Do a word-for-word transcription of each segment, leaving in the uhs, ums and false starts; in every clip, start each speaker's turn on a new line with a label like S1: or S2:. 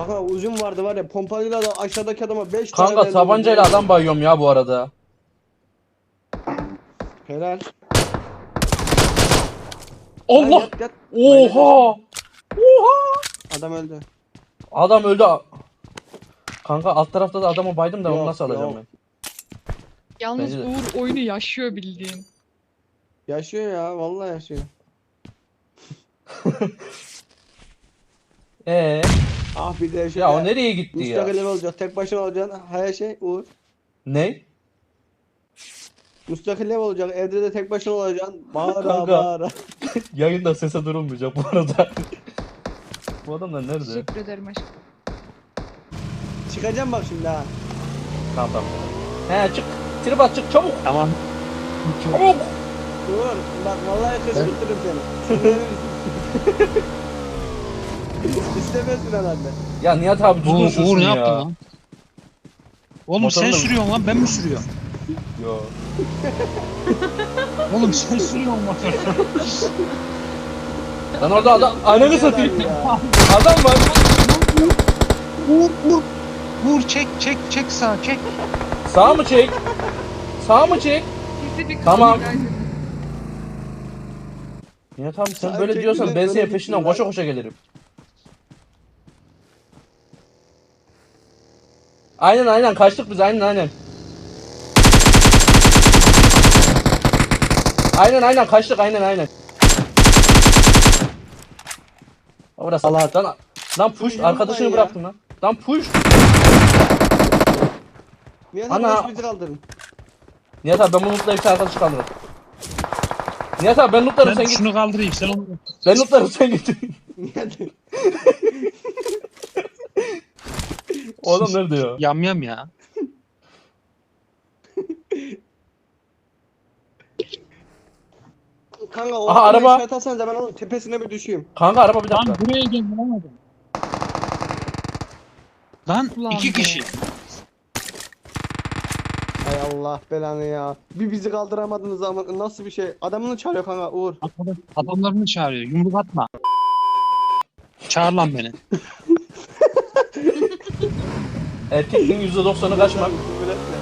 S1: Kanka uzun vardı var ya, pompalıyla da aşağıdaki adama beş tane
S2: Kanka
S1: verdim.
S2: tabancayla adam bayıyorum ya bu arada.
S1: Helal.
S2: Allah!
S1: Lan yat, yat.
S2: Oha! Oha!
S1: Adam öldü.
S2: Adam öldü. Kanka alt tarafta da adamı baydım da onu
S1: Yok,
S2: nasıl alacağım
S1: yok.
S2: ben?
S3: Yalnız
S2: Bence de.
S3: Uğur oyunu yaşıyor bildiğin.
S1: Yaşıyor ya, vallahi yaşıyor.
S2: Ee,
S1: Ah bir de şöyle
S2: ya o nereye gitti ya?
S1: müstakil ev olacak. Tek başına olacaksın. Her şey Uğur.
S2: Ne?
S1: Müstakil ev olacak. Evde de tek başına olacaksın. Bağıra
S2: Kanka.
S1: bağıra.
S2: Yayında sese durulmayacak bu arada. Bu adamlar nerede?
S3: Teşekkür ederim aşkım.
S1: Çıkacağım bak şimdi ha.
S2: Tamam tamam. He çık. Trip at çık çabuk.
S4: Tamam.
S2: Çabuk.
S1: Uğur bak vallahi kışkırtırım seni. İstemezsin herhalde.
S2: Ya Nihat abi düzgün
S4: Uğur,
S2: sürsün
S4: Uğur ne
S2: ya.
S4: yaptın lan? Oğlum
S2: Motorunu
S4: sen
S2: da-
S4: sürüyorsun lan ben mi sürüyorum?
S2: Yo.
S4: Oğlum sen sürüyorsun motoru.
S2: Lan orada adam ananı satayım.
S1: Ya.
S2: Adam var.
S4: Uğur Uğur. Uğur çek çek çek sağ çek.
S2: Sağ mı çek? Sağ mı çek?
S3: Bizi bir
S2: Tamam.
S3: kaldı galiba.
S2: Nihat abi sen
S1: Sağ
S2: böyle
S1: çek
S2: diyorsan
S1: bile
S2: ben
S1: öne
S2: senin
S1: gitsin
S2: peşinden
S1: lan.
S2: koşa koşa gelirim. Aynen aynen kaçtık biz aynen aynen. Aynen aynen kaçtık aynen aynen. Orası Allah lan lan push
S1: Yürü
S2: arkadaşını
S1: lan ya.
S2: bıraktın lan. Lan push.
S1: Niye
S2: Ana.
S1: Ana. bizi kaldırın?
S2: Nihat abi ben bunu lootlayıp sen arkadaşı kaldırırım. Nihat abi ben lootlarım
S4: Ben
S2: sen git.
S4: şunu kaldırayım sen onu.
S2: Ben lootlarım sen git.
S1: Niye?
S2: O adam nerede ya?
S4: Yam yam ya.
S1: Kanka o
S2: Aha,
S1: adamı
S2: araba.
S1: işaret alsanız da ben onun tepesine bir düşeyim.
S2: Kanka araba bir
S4: Lan
S2: dakika.
S4: buraya gel bulamadım. Lan
S3: Ulan
S4: iki
S3: be.
S4: kişi.
S1: Hay Allah belanı ya. Bir bizi kaldıramadınız ama nasıl bir şey? Adamını çağırıyor kanka Uğur.
S4: Adam- Adamlarını çağırıyor. Yumruk atma. Çağır lan beni.
S2: Erkekliğin yüzde doksanı kaçmak.
S1: Küfür etme.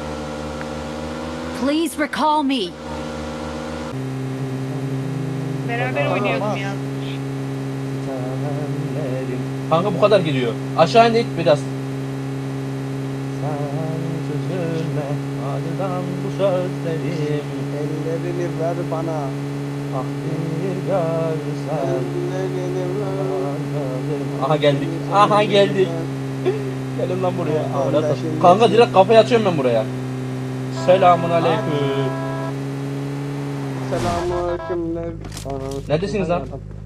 S5: Please recall me.
S3: Beraber
S1: Tamam,
S3: oynuyordum
S1: tamam.
S3: ya.
S2: Kanka bu kadar gidiyor. Aşağı indik biraz. Sen üzülme acıdan bu sözlerim.
S1: Ellerini ver bana.
S2: Ah bir görsen.
S1: Ellerini ver.
S2: Aha geldik. Aha geldik. Gelin lan buraya.
S1: Aha,
S2: Amına
S1: ben
S2: koyayım.
S1: şimdi-
S2: Kanka direkt kafayı açıyorum ben buraya. Selamun aleyküm.
S1: Selamünaleyküm.
S2: Neredesiniz lan?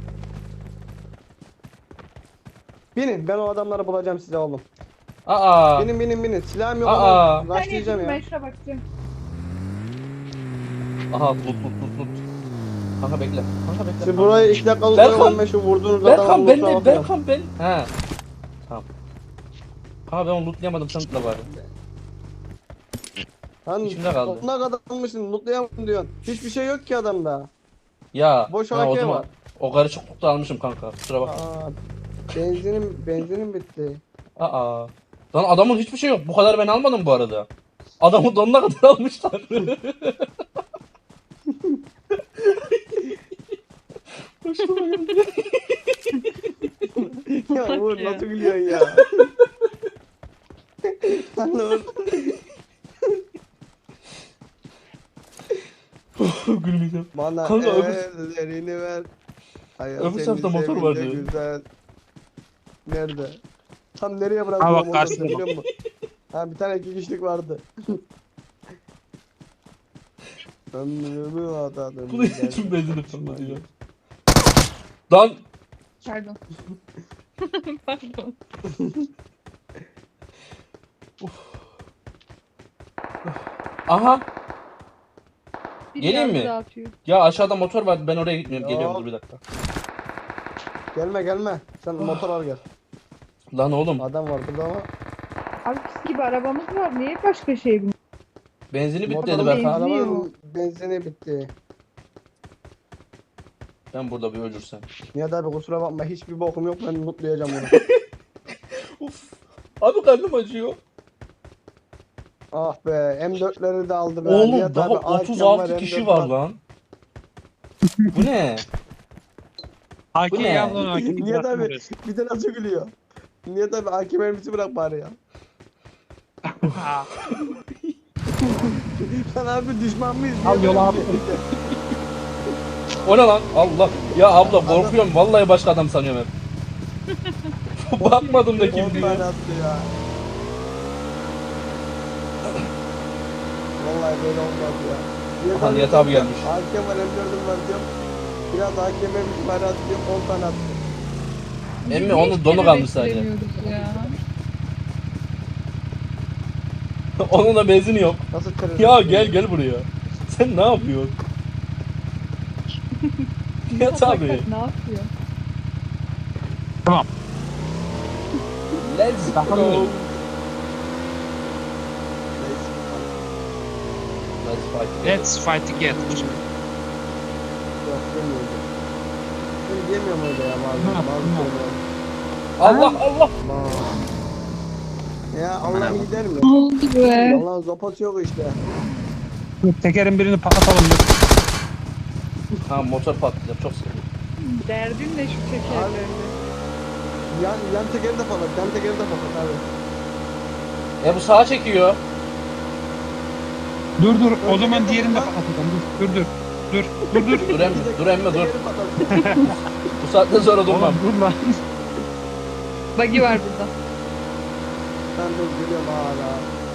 S1: Binin, ben o adamları bulacağım size oğlum.
S2: Aa.
S1: Binin binin binin. Silahım yok
S2: Aa.
S1: ama başlayacağım ya.
S3: Ben şuna bakacağım.
S2: Aha lut lut lut lut. Kanka bekle. Kanka bekle.
S1: Siz burayı iki dakikalık
S2: Berkan.
S1: oyalanın, ben şu vurduğunuz adamı
S2: Berkan ben
S1: loot'a
S2: de
S1: bakıyorum.
S2: Berkan ben. He. Tamam. Kanka ben onu lootlayamadım sen lootla bari.
S1: Lan
S2: İçimde kaldı.
S1: ne kadar almışsın, lootlayamadım diyorsun. Hiçbir şey yok ki adamda.
S2: Ya.
S1: Boş
S2: ha, o
S1: A K
S2: zaman
S1: var.
S2: o karışıklıkta almışım kanka. Kusura bakma.
S1: Aa, benzinim, benzinim bitti.
S2: Aa. Lan adamın hiçbir şey yok. Bu kadar ben almadım bu arada. Adamı donuna kadar almışlar. Hoşuma geldi.
S1: Ya
S3: Bak
S1: Uğur
S3: ya.
S1: nasıl gülüyorsun ya? Lan Uğur.
S2: Gülmeyeceğim.
S1: Bana
S2: Kanka, öbür-
S1: ellerini ver. Hayat
S2: öbür
S1: seni
S2: tarafta motor
S1: sevince
S2: vardı.
S1: Güzel. Nerede? Tam nereye bıraktın
S4: Ha,
S1: o
S4: bak,
S1: motoru
S4: karşıda
S1: biliyor musun? Ha bir tane iki kişilik vardı. Ömrümü adadım.
S2: Bu da için benzini fırladı ya. Lan.
S3: Pardon. Pardon.
S2: Aha.
S3: Bir
S2: Geleyim
S3: yardım
S2: mi?
S3: dağıtıyor.
S2: Ya aşağıda motor var. Ben oraya gitmiyorum.
S1: Yok.
S2: Geliyorum dur bir dakika.
S1: Gelme gelme. Sen motor al gel.
S2: Lan oğlum.
S1: Adam var burada ama.
S6: Abi pis gibi arabamız var. Niye başka şey bu?
S2: Benzini bitti dedi
S1: Motorun
S2: Berkan.
S6: benzin-
S1: arabanın benzini bitti.
S2: Ben burada bir ölürsem.
S1: Nihat abi kusura bakma hiçbir bokum yok, ben mutlayacağım onu.
S2: Abi karnım acıyor.
S1: Ah be M dörtleri de aldı be.
S2: Oğlum
S1: Nihat
S2: daha
S1: abi, A K
S2: otuz
S1: var,
S2: altı
S1: M
S2: kişi
S1: dört
S2: var lan. Bu ne? Bu
S4: Hakem
S2: ne?
S4: yavrum hakem
S1: Nihat abi
S4: bırakmıyoruz.
S1: bir de nasıl gülüyor. Nihat abi A K mermisi bırak bari ya. Sen abi düşman mıyız?
S4: Al
S1: Niye
S4: yola
S1: böyle
S4: abi.
S1: bir şey?
S2: O ne lan? Allah. Ya abla korkuyorum. Vallahi başka adam sanıyorum hep. Bakmadım da kim
S1: on
S2: diyor.
S1: tane attı ya. Vallahi böyle olmaz ya.
S2: Aha, Nihat abi gelmiş.
S1: A K var M dört'üm var diyorum. Biraz A K mermisi bari at diyorum on tane attı.
S2: Emmi onun donu kalmış sadece.
S3: Beklemiyoruz ya.
S2: Onun da benzini yok.
S1: Nasıl terörist?
S2: Ya gel gel buraya. Sen ne yapıyorsun? Nihat abi.
S3: Ne yapıyor?
S4: Tamam.
S2: Let's
S4: Bakalım.
S2: go.
S1: Neyse.
S2: Let's fight.
S4: Let's fight again.
S1: Yok demiyorum. Ben diyemiyorum öyle ya bazı
S4: Ne yaptın,
S1: bazı
S4: ne
S1: kelimeler.
S2: Allah Allah.
S1: Aman. Ya Allah'ım gider mi?
S3: Ne oldu be?
S1: Allah'ın zopası yok işte.
S4: Dur, tekerin birini patlatalım dur.
S2: Ha motor patlayacak çok seviyorum.
S3: Derdin ne şu tekerlerle?
S1: Yan, yan tekeri de patlat, yan tekeri de patlat abi.
S2: E bu sağa çekiyor.
S4: Dur dur o
S1: Dur,
S4: zaman
S1: dur,
S4: diğerini de
S1: dur.
S4: patlatalım. Dur dur dur. Dur dur dur.
S2: Dur emmi, dur emmi dur.
S1: Tekeri patlat.
S2: Bu saatten sonra durmam.
S4: Oğlum, dur lan.
S3: Buggy var burada.
S1: Ben dur geliyorum hala.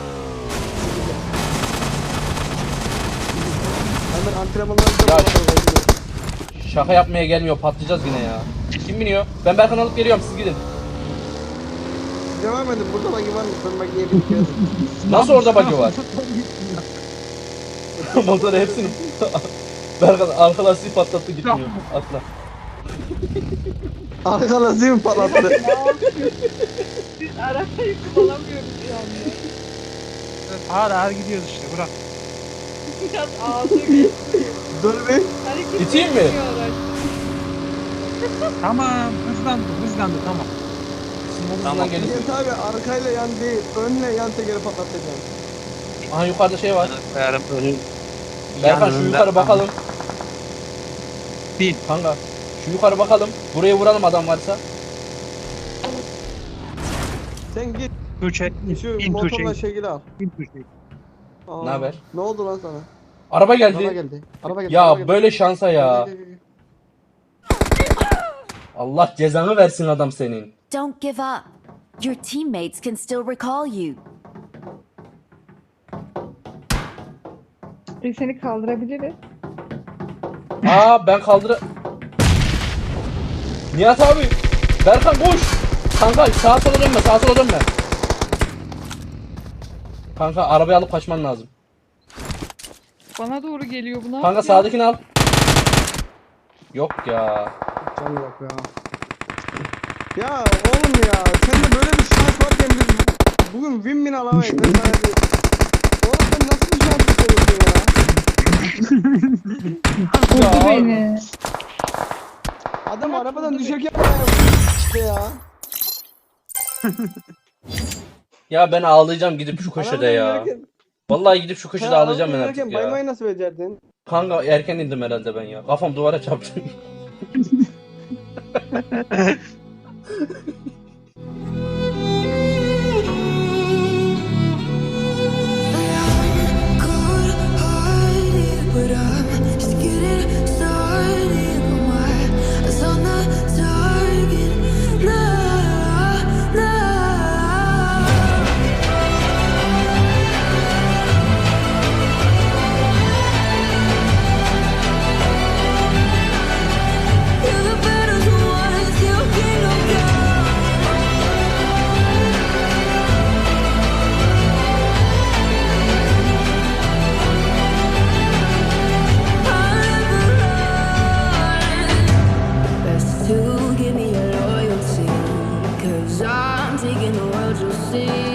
S1: Hemen antrenmanlarımıza
S2: Ya
S1: bakalım.
S2: Şaka yapmaya gelmiyor, patlayacağız yine ya. Kim biniyor? Ben Berkan alıp geliyorum, siz gidin.
S1: Devam edin, burada bagi var mı? Ben bagiye bir kere.
S2: Nasıl orada bug'i var? Motoru hepsini... Berkan arka lastiği patlattı gitmiyor. Atla.
S1: Arka lastiği mi patlattı?
S3: Biz arabayı kullanamıyoruz şu anda.
S4: Ağır ağır gidiyoruz işte bırak.
S3: Biraz ağzı geçiyor.
S1: Dur bir.
S3: Hareket
S2: İteyim mi?
S3: etmiyor araç.
S4: Tamam hızlandı hızlandı tamam.
S2: Tamam gelin.
S1: Nihat abi arkayla yan değil, önle yan tekeri patlatacağım.
S2: Aha yukarıda şey var.
S4: Koyarım önün.
S2: Berkan şu yukarı bakalım.
S4: Bin.
S2: Kanka şu yukarı bakalım. Buraya vuralım adam varsa.
S1: Sen git,
S4: Tuğçe.
S1: şu
S4: Bin
S1: motorla
S4: Tuğçe.
S1: şekil al.
S4: Bin Tuğçe.
S1: Aa,
S2: Naber?
S1: Ne oldu lan sana?
S2: Araba geldi.
S1: Araba geldi. Araba geldi. araba
S2: Ya
S1: geldi.
S2: böyle şansa ya.
S1: Gel, gel, gel, gel.
S2: Allah cezanı versin adam senin.
S5: Don't give up. Your teammates can still recall you.
S6: E, seni kaldırabiliriz.
S2: Aa ben kaldıra... Nihat abi. Berkan koş. Kanka sağa sola dönme, sağa sola dönme. Kanka arabayı alıp kaçman lazım.
S3: Bana doğru geliyor bu ne
S2: Kanka
S3: yapıyor?
S2: sağdakini al. Yok ya.
S1: Can yok ya. Ya oğlum ya, sende böyle bir şans varken biz bugün win win alamayız. Ben sana diyeyim. Oğlum sen nasıl bir şans istiyorsun ya?
S6: Vurdu
S2: Ya.
S6: beni.
S1: Adam arabadan düşerken işte ya.
S2: Ya ben ağlayacağım gidip şu köşede
S1: Arabadan
S2: ya.
S1: inerken-
S2: Vallahi gidip şu
S1: Sen
S2: köşede ağlayacağım ben
S1: arabadan
S2: artık
S1: inerken
S2: ya.
S1: baymayı nasıl becerdin?
S2: Kanka erken indim herhalde ben ya. Kafam duvara çarptı.
S7: But I'm just getting started. Put my eyes on the target. Nah, nah. You're the battles won, still kingdom come. Best to give me your loyalty, 'cause I'm taking the world, you'll see.